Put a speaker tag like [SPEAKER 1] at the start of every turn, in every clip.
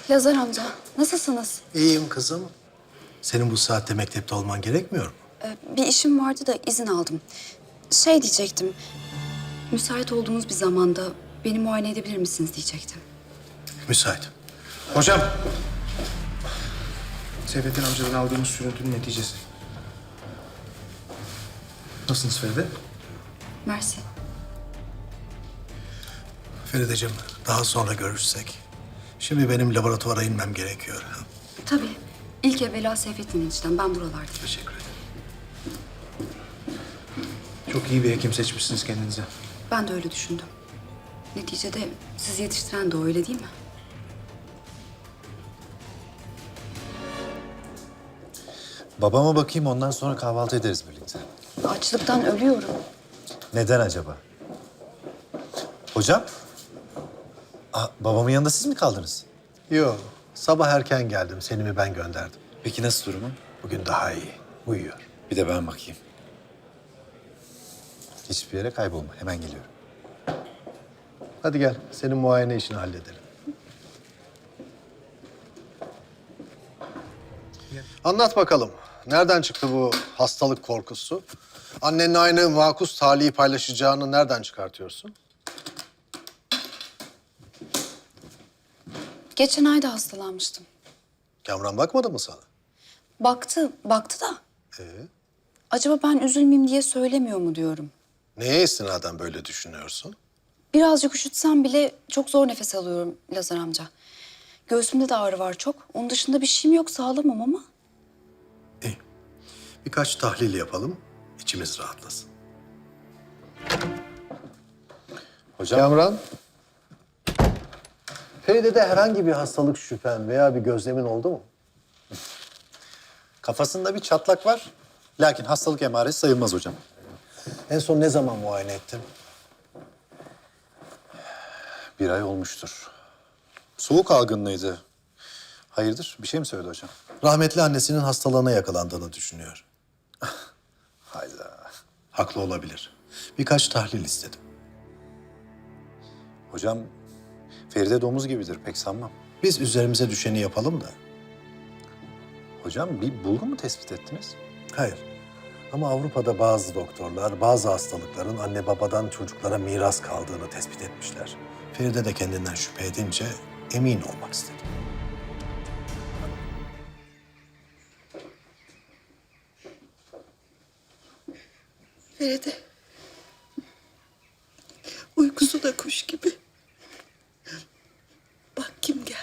[SPEAKER 1] Lazar amca, nasılsınız?
[SPEAKER 2] İyiyim kızım. Senin bu saatte mektepte olman gerekmiyor mu?
[SPEAKER 1] Bir işim vardı da izin aldım. Şey diyecektim, müsait olduğunuz bir zamanda beni muayene edebilir misiniz diyecektim.
[SPEAKER 2] Müsait.
[SPEAKER 3] Hocam. Seyfettin amcadan aldığımız sürüntünün neticesi. Nasılsınız Feride?
[SPEAKER 1] Mersi.
[SPEAKER 2] Ferideciğim, daha sonra görüşsek. Şimdi benim laboratuvara inmem gerekiyor.
[SPEAKER 1] Tabii. İlk evvela Seyfettin eniştem, ben buralardayım.
[SPEAKER 2] Teşekkür ederim.
[SPEAKER 3] Çok iyi bir hekim seçmişsiniz kendinize.
[SPEAKER 1] Ben de öyle düşündüm. Neticede sizi yetiştiren de o, öyle değil mi?
[SPEAKER 4] Babama bakayım, ondan sonra kahvaltı ederiz birlikte.
[SPEAKER 1] Açlıktan ölüyorum.
[SPEAKER 4] Neden acaba? Hocam? Babamın yanında siz mi kaldınız?
[SPEAKER 2] Yok, sabah erken geldim. Seni ben gönderdim.
[SPEAKER 4] Peki nasıl durumu?
[SPEAKER 2] Bugün daha iyi. Uyuyor.
[SPEAKER 4] Bir de ben bakayım. Hiçbir yere kaybolma, hemen geliyorum.
[SPEAKER 2] Hadi gel, senin muayene işini halledelim. Anlat bakalım. Nereden çıktı bu hastalık korkusu? Annenle aynı makus talihi paylaşacağını nereden çıkartıyorsun?
[SPEAKER 1] Geçen ay da hastalanmıştım.
[SPEAKER 2] Kamran bakmadı mı sana?
[SPEAKER 1] Baktı da.
[SPEAKER 2] Ee,
[SPEAKER 1] Acaba ben üzülmeyeyim diye söylemiyor mu diyorum.
[SPEAKER 2] neye istinaden böyle düşünüyorsun?
[SPEAKER 1] Birazcık üşütsem bile çok zor nefes alıyorum Lazar amca. Göğsümde de ağrı var çok. Onun dışında bir şeyim yok, sağlamam ama.
[SPEAKER 2] İyi. Birkaç tahlil yapalım, içimiz rahatlasın.
[SPEAKER 4] Hocam?
[SPEAKER 2] Kamran. Feride'de herhangi bir hastalık şüphen veya bir gözlemin oldu mu?
[SPEAKER 4] Kafasında bir çatlak var. Lakin hastalık emaresi sayılmaz hocam.
[SPEAKER 2] En son ne zaman muayene ettin?
[SPEAKER 4] 1 ay olmuştur. Soğuk algınlığıydı. Hayırdır? Bir şey mi söyledi hocam?
[SPEAKER 2] Rahmetli annesinin hastalığına yakalandığını düşünüyor.
[SPEAKER 4] Hayda.
[SPEAKER 2] Haklı olabilir. Birkaç tahlil istedim.
[SPEAKER 4] Hocam, Feride domuz gibidir, pek sanmam.
[SPEAKER 2] Biz üzerimize düşeni yapalım da.
[SPEAKER 4] Hocam, bir bulgu mu tespit ettiniz?
[SPEAKER 2] Hayır. Ama Avrupa'da bazı doktorlar bazı hastalıkların anne babadan çocuklara miras kaldığını tespit etmişler. Feride de kendinden şüphe edince emin olmak istedi.
[SPEAKER 5] Feride. Uykusu da kuş gibi. Bak kim geldi.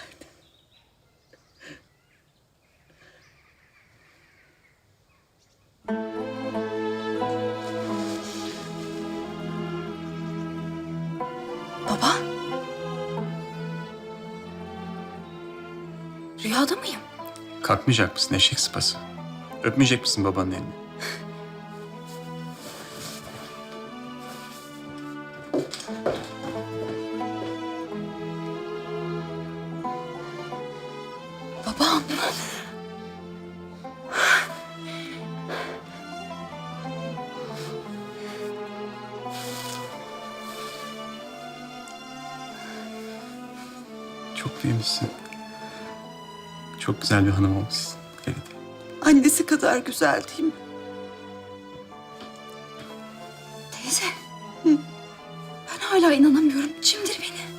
[SPEAKER 1] Baba. Rüyada mıyım?
[SPEAKER 6] Kalkmayacak mısın eşek sıpası? Öpmeyecek misin babanın elini?
[SPEAKER 1] Babam.
[SPEAKER 6] Çok büyümüşsün. Çok güzel bir hanım olmuşsun Feride.
[SPEAKER 5] Annesi kadar güzel değil mi?
[SPEAKER 1] Teyze. Ben hala inanamıyorum. Çimdir beni.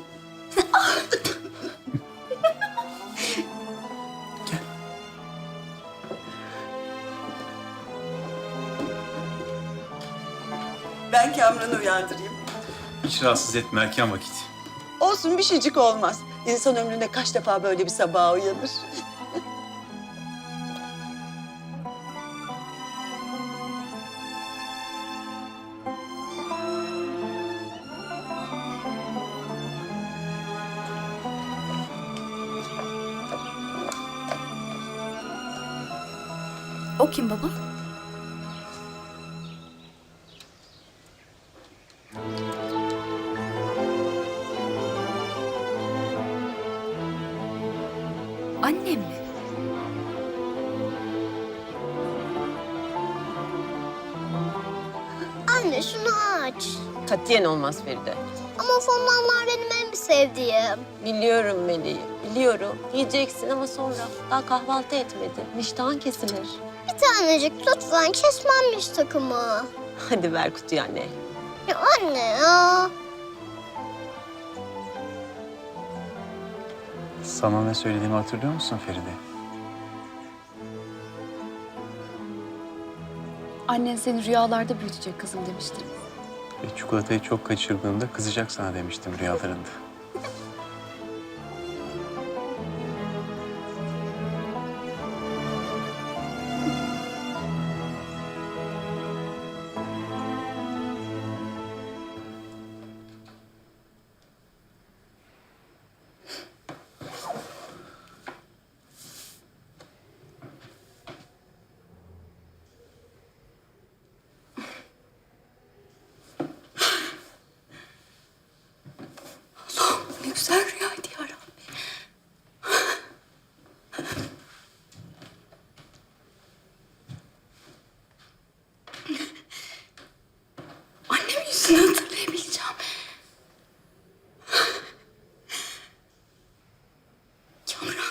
[SPEAKER 5] Ben Kamran'ı uyandırayım.
[SPEAKER 6] Hiç rahatsız etme, erken vakit.
[SPEAKER 5] Olsun bir şeycik olmaz. İnsan ömründe kaç defa böyle bir sabaha uyanır.
[SPEAKER 1] O kim baba? Annem mi?
[SPEAKER 7] Anne şunu aç.
[SPEAKER 8] Katiyen olmaz Feride.
[SPEAKER 7] Ama fondantlar benim en sevdiğim.
[SPEAKER 8] Biliyorum Meleğim, biliyorum. Yiyeceksin ama sonra daha kahvaltı etmedin. İştahın kesilir.
[SPEAKER 7] Bir tanecik lütfen kesmem takımı.
[SPEAKER 8] Hadi ver kutuyu anne.
[SPEAKER 7] Ya anne ya.
[SPEAKER 6] Sana ne söylediğimi hatırlıyor musun Feride?
[SPEAKER 1] Annen seni rüyalarda büyütecek kızım demişti.
[SPEAKER 6] Ve çikolatayı çok kaçırdığında kızacak sana demiştim rüyalarında.
[SPEAKER 1] Ne güzel rüyaydı ya Rabbi. Annemin yüzünü hatırlayabileceğim. Kamran.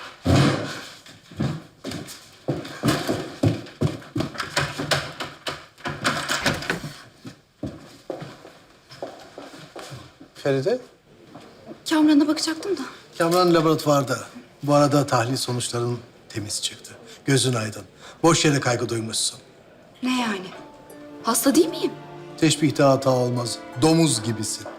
[SPEAKER 2] Feride,
[SPEAKER 1] Kamran'a bakacaktım da.
[SPEAKER 2] Kamran laboratuvarda. Bu arada tahlil sonuçların temiz çıktı. Gözün aydın. Boş yere kaygı duymuşsun.
[SPEAKER 1] Ne yani? Hasta değil miyim?
[SPEAKER 2] Teşbihte hata olmaz. Domuz gibisin.